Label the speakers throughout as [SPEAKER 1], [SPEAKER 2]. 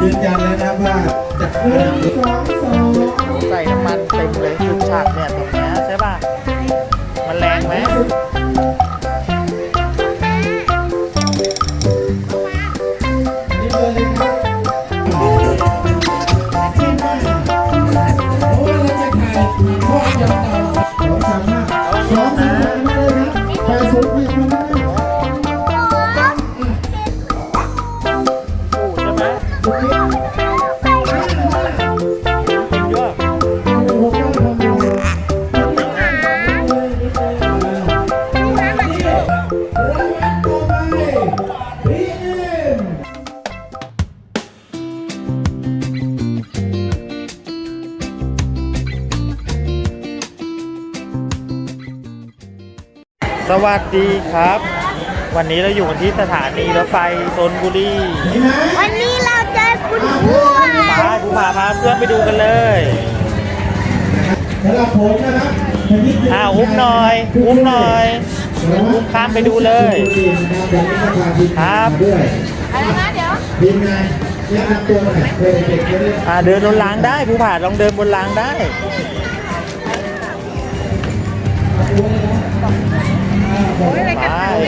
[SPEAKER 1] ยืนยันแล้วนะว่าจะ
[SPEAKER 2] ใส่น้ำมันเต็มเลยจุดฉากเนี่ยตรงเนี้ยใช่ป่ะมันแรงไหมสวัสดีครับ วันนี้เราอยู่กันที่สถานีรถไฟธนบุรี
[SPEAKER 3] วันนี้เราเจอคุณผู้
[SPEAKER 2] ผู้พาพาเพื่อนไปดูกันเลย
[SPEAKER 1] สำหรับผมนะครับ
[SPEAKER 2] อุ้มหน่อยอุ้มหน่อยอุ้มข้ามไปดูเลยครับ
[SPEAKER 3] อะไรนะเดี๋ยว
[SPEAKER 1] ทีมงานแนะนำตัวหน่อยเด็กๆจะได้
[SPEAKER 2] เดินบนรางได้ผู้ผ่าลองเดินบนรางได้ไป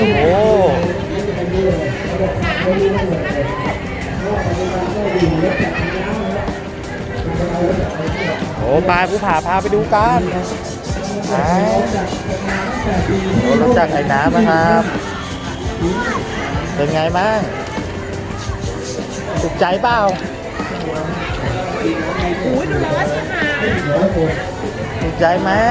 [SPEAKER 2] โอ้ไปผู้ผ่าพาไปดูกันรู้จักไอ้น้ำนะครับเป็นไงบ้างถูกใจเปล่าถูกใจไหม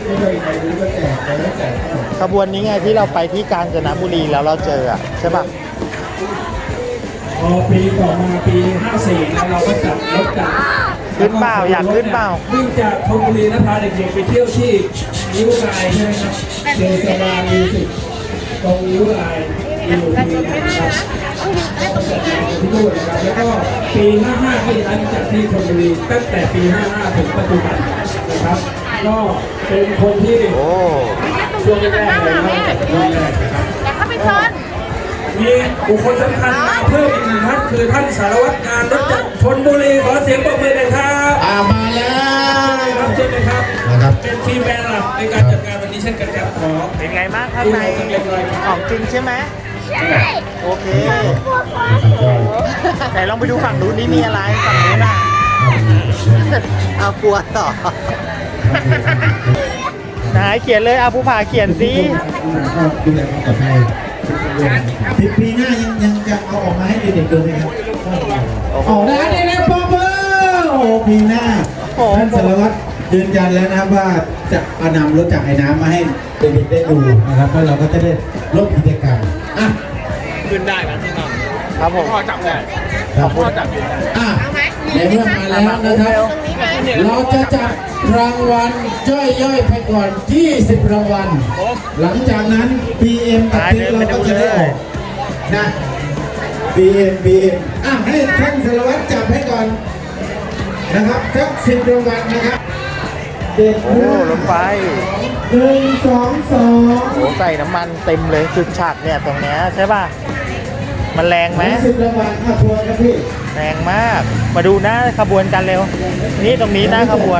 [SPEAKER 2] ขบวนนี้ไงที่เราไปที่กาญจนบุรีแล้วเราเจอใช่ป่ะ
[SPEAKER 4] พอปีต่อมาปี54แล้วเราก็จัดรถจักร
[SPEAKER 2] ขึ้นเปล่าอยากขึ้นเปล่า
[SPEAKER 4] วิ่งจากธนบุรีนะพาเด็กๆไปเที่ยวที่นิ้วรายใช่ไหมครับเดสบามิวสิกตรงนิ้วรายอยู่ที่นะครับที่นู่นนะครับแล้วก็ปี55ก็ย้ายมาจากที่ธนบุรีตั้งแต่ปี55ถึงปัจจุบันนะครับก็เป็นคนที่ช่วงแรกเลยนะครับช่วงแรกนะครับ
[SPEAKER 3] แต่เขาไปซ้อน
[SPEAKER 4] มีบุคคลสำคัญมาเพิ่มอีกหนึ่งท่านคือท่านสารวัตรงานรถจักรธนบุรีขอเสียงปรบมือหน่อยครับ
[SPEAKER 1] มาแล้ว
[SPEAKER 4] ครับเชิญเลยครับเป็นทีมแบรนด์หลักในการจัดงานวันนี้เช่นกันครับขอ
[SPEAKER 2] เป็นไงบ้างข้างในของจริงใช่ไหม
[SPEAKER 3] ใช่
[SPEAKER 2] โอเคแต่ลองไปดูฝั่งนู้นนี่มีอะไรฝั่งนู้นเอากลัวต่อไหนเขียนเลยผู้ผ่าเขียนสิ
[SPEAKER 1] ดูแลความปลอดภัยปีหน้ายังจะเอาออกมาให้เด็กๆดูไหมครับออกได้เลยป๊อปเปอร์ปีหน้าท่านสารวัตรยืนยันแล้วนะครับว่าจะเอานำรถจากไอ้น้ำมาให้เด็กๆได้ดูนะครับแล้วเราก็จะได้ลดกิจกรรม
[SPEAKER 4] ขึ้นได้นะที่นั่น
[SPEAKER 2] ครับผม
[SPEAKER 4] พ่อจับได้พ่อจับอยู่
[SPEAKER 1] ในเมื่อมาแล้วนะครับเราจะจับรางวัลย่อยๆไปก่อน20รางวัลหลังจากนั้น BM กับติ๊กเราก็จะได้ออกนะ BM ให้ท่านสารวัตรจับให้ก่อนนะครับสัก10รางวัลนะครับ
[SPEAKER 2] รถไฟ
[SPEAKER 1] 1 2 2
[SPEAKER 2] ใส่น้ำมันเต็มเลยจุดฉากเนี่ยตรงเนี้ยใช่ป่ะมันแรงไหม
[SPEAKER 1] 10รางวัลทวนครับพี่
[SPEAKER 2] แรงมากมาดูหน้าขบวนกันเร็วนี่ตรงนี้หน้าขบวน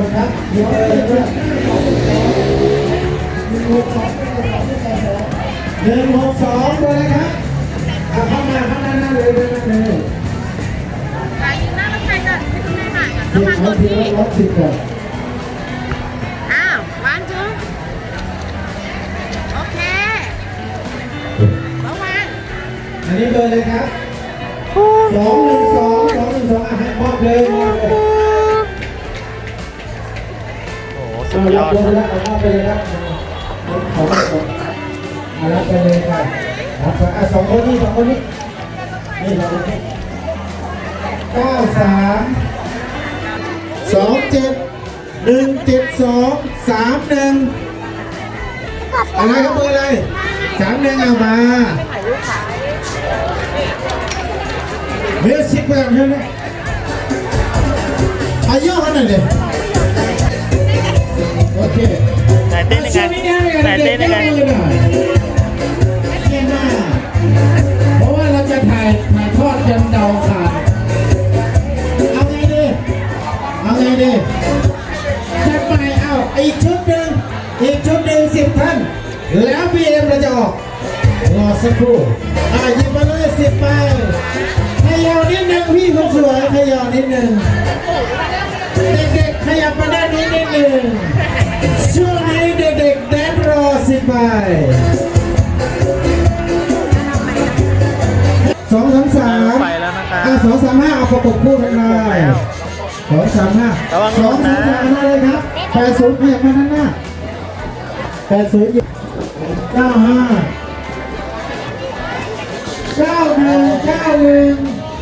[SPEAKER 1] 162เลยครับเข้ามาข้างหน้าเลย
[SPEAKER 3] ยืนหน้ารถไฟก่อนให้คุณแม่ถ่ายก่อนแล้วมา
[SPEAKER 1] กดที่รถ10ก่อน
[SPEAKER 3] วันจุ๊บโอเคระวัง
[SPEAKER 1] อันนี้เบอร์เลยครับ212ให้มอบเลย
[SPEAKER 2] สุดยอด
[SPEAKER 1] เอามอบไปเลยครับขอรับไปเลยครับ2 คนนี้นี่เรา93271723อะไรครับเบอร์อะไร31เอามาเฮ้ยสิบไปกันใช่ไหมอายุขนาดเลยโอเค
[SPEAKER 2] ไหนเต้นยังไง
[SPEAKER 1] เพราะว่าเราจะถ่ายทอดจนเดาขาดสักครู่หยิบมาเลย10 ใบขยับนิดนึงพี่คนสวยขยับนิดนึงเด็กๆขยับมาด้านนี้นิดนึงช่วงนี้เด็กๆแดนรอ10 ใบ2 3 3
[SPEAKER 2] ไปแล้วนะครับ
[SPEAKER 1] 2 3 5เอาประกบคู่กันเลย2 3 5
[SPEAKER 2] ระวังห
[SPEAKER 1] 2
[SPEAKER 2] ล่น
[SPEAKER 1] 3
[SPEAKER 2] นะ
[SPEAKER 1] 5มาเลยครับ80ขยับมาด้านหน้า80 95 91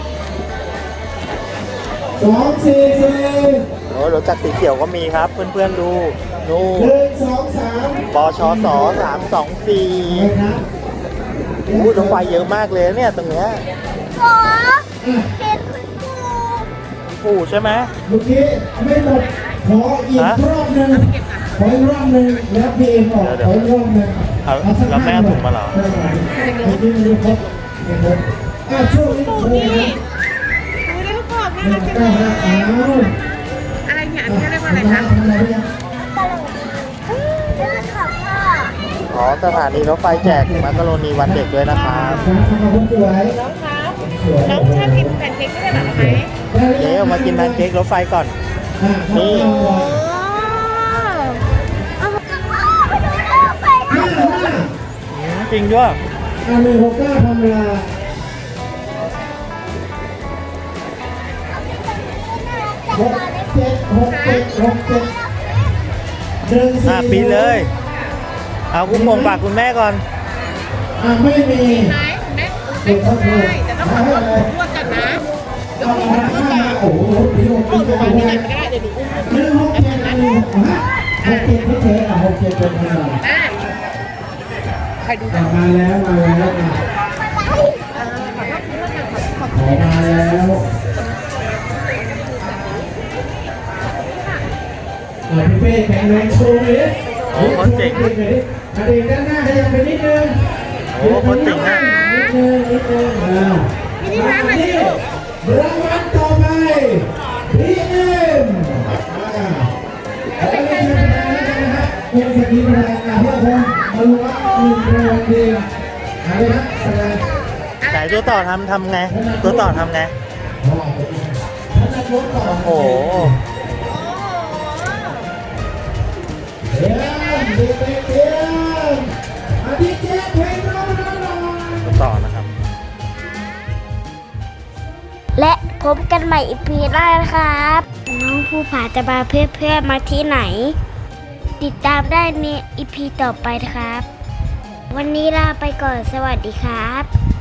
[SPEAKER 1] 244
[SPEAKER 2] โอ้รถจักรสีเขียวก็มีครับ เพื่อนๆดูนู่น
[SPEAKER 1] 1 2 3
[SPEAKER 2] ปชส324
[SPEAKER 1] ครับ
[SPEAKER 2] โอ้รถไฟเยอะมากเลยเนี่ยตรงเนี้ย
[SPEAKER 3] ขอเห็นคุณครู
[SPEAKER 2] ปู่ใช่ไหม
[SPEAKER 1] เมื่อกี้ไม่หมดขออีกรอบหนึ่งขออีกรอบหนึ่งแล้วพีเอ็มออกขออีกรอบหนึ่ง
[SPEAKER 2] แล้วแม่ถุงมาเหรอ
[SPEAKER 1] เมื่อกี้ไม่ครบไม่ครบช่วงนี้ครูนะ
[SPEAKER 3] ดูได้ลูกกรอกน่ารักจัง
[SPEAKER 1] 195
[SPEAKER 3] เลย
[SPEAKER 1] อ้าว
[SPEAKER 3] อะไรเนี่ยอันนี้เรียกว่าอะไรคะ
[SPEAKER 1] ทำอะไรยัง
[SPEAKER 3] เรื่องของพ่อ
[SPEAKER 2] อ๋อสถานีรถไฟแจกมักกะโรนีวันเด็กด้วยนะครับ
[SPEAKER 1] ทำมาคนสวย
[SPEAKER 3] น้องครับ
[SPEAKER 1] สวย
[SPEAKER 3] น้องชอบกินแพนเค้กไม่ใช่เหรอไหม
[SPEAKER 2] เดี๋ยวมากินแพนเค้กรถไฟก่อน นี่
[SPEAKER 3] โอ้เอาไปดูเรื่องไป
[SPEAKER 2] จริงด้วย
[SPEAKER 1] 169ทำเวลา67
[SPEAKER 2] ปีเลย เอาคุณพงฝากคุณแม่ก่อน
[SPEAKER 1] ไม่มี
[SPEAKER 3] ไหนแม่แม่พูดได้แต่ต้องขอโทษผมพูดกันนะเดี๋ยวผมพูดก่อน
[SPEAKER 1] โอ้โหปีหก
[SPEAKER 3] พูด
[SPEAKER 1] เจ็ด
[SPEAKER 3] ก่อนที่ไหนก็ได้เดี๋ยวดูอุ้ม
[SPEAKER 1] 167เฉยๆ67เป็นขนาด
[SPEAKER 3] ได้ใครดู
[SPEAKER 1] มาแล้วขอมาแล้วพี่เป้แข็งแรงโชว์เลย
[SPEAKER 2] โอ้คนเจ๋ง
[SPEAKER 1] เด็กด้านหน้าขยับไปนิดนึง
[SPEAKER 2] โอ้คนเจ๋งนะ
[SPEAKER 1] นิดนึง
[SPEAKER 3] พี่นี่ร้านมาสิลูก
[SPEAKER 1] รางวัลต่อไปพีเอ็มเป็นสกีมาเพื่อคนมาลุ้น1 รางวัลเดียวอะไรนะอะไร
[SPEAKER 2] ไหนตัวต่อทำไง ตัวต่อทำไง โอ้โห
[SPEAKER 1] เดี๋ยวอาทิตย์เจ๊เพลงร้อง
[SPEAKER 2] ตัวต่อนะครับ
[SPEAKER 5] และพบกันใหม่อีพีหน้านะครับ น้องภูผาจะพาเพื่อนๆมาที่ไหน ติดตามได้ในอีพีต่อไปนะครับ วันนี้ลาไปก่อนสวัสดีครับ